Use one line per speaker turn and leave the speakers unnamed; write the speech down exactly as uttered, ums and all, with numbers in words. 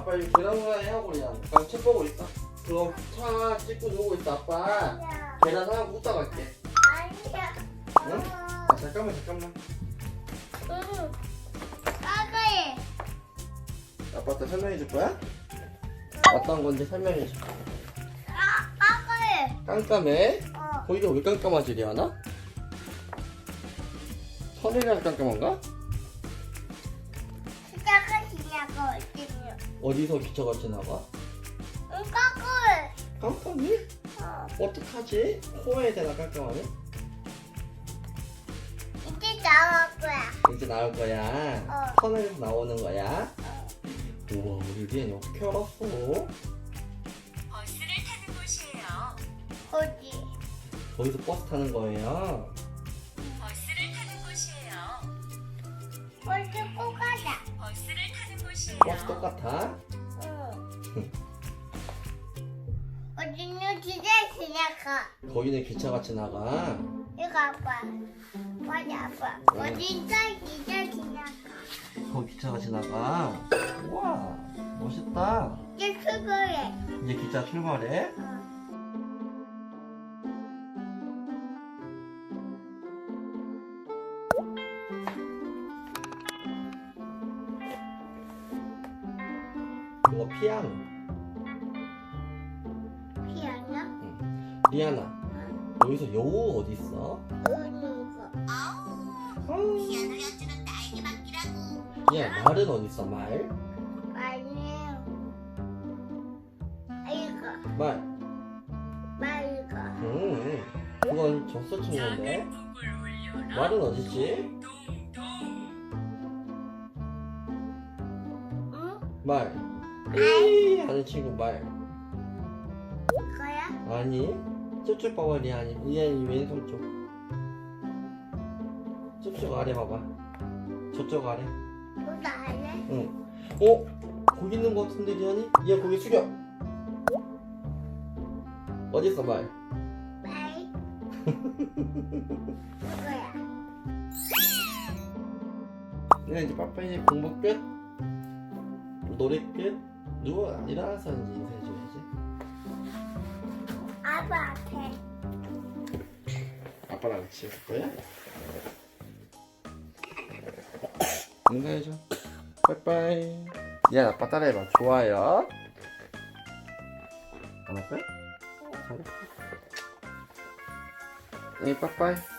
아빠 이거 계란 후라이 하고 그냥 아빠 책 보고 있어. 그럼 차 찍고 누우고 있어. 아빠
아니야.
계란 하고 후딱 갈게.
아니야.
응? 아 잠깐만 잠깐만.
응. 까까이.
아빠한테 설명해 줄 거야? 어떤 건지 설명해 줘.
아, 까까이.
깜깜해?
어.
거기가 왜 깜깜하지 리아나? 선이랑 깜깜한가?
시작은 지냐고 어디냐?
어디서 기차같이 나가?
응, 까까이.
깜깜해?
어.
어떡하지? 코에 대나 깜깜하네?
이제 나올 거야.
이제 나올 거야.
어.
터널에서 나오는 거야. 우와 우리 리안이 어떻게 알았어?
버스를 타는 곳이에요.
어디?
거기서 버스 타는 거예요.
버스를 타는 곳이에요.
어디 꼭 가자.
버스를 타는 곳이에요.
버스 똑같아?
응. 어디는 기대 지나가.
거기는 기차같이 나가.
이거 아빠. 맞아 아빠. 어딘가 기대 지나가.
거기 기차같이 나가. 우와 멋있다.
이제 출발해.
이제 기차 출발해.
어.
그거 피아노.
피아노?
리아나 여기서 여우 어디 있어?
은우가.
아우.
피아노 연주는 나에게 맡기라고.
야 말은 어디 있어 말?
아니에요. 이거.
말.
말 이거.
음. 그건 젖소 친구인데. 말은 어딨지?
응?
말. 이 하는 친구 말.
이거야?
아니. 저쪽 봐봐 리안이. 리안이 왼손 쪽. 저쪽 아래 봐봐. 저쪽 아래.
너도 할래?
응. 어? 거기 있는 거 같은데 리안이? 얘 거기 숙여. 어디 있어 말?
말. 이거야.
네 이제 빠빠 이제 공부 끝. 노래 끝. 누워 일어나서 이제 인사해줘야지.
아빠 앞에.
아빠랑 같이 할 거야? 인사해줘. 빠이빠이. 야 아빠 따라해봐. 좋아요. 안 할 거야? 잘했어. 네 빠이빠이.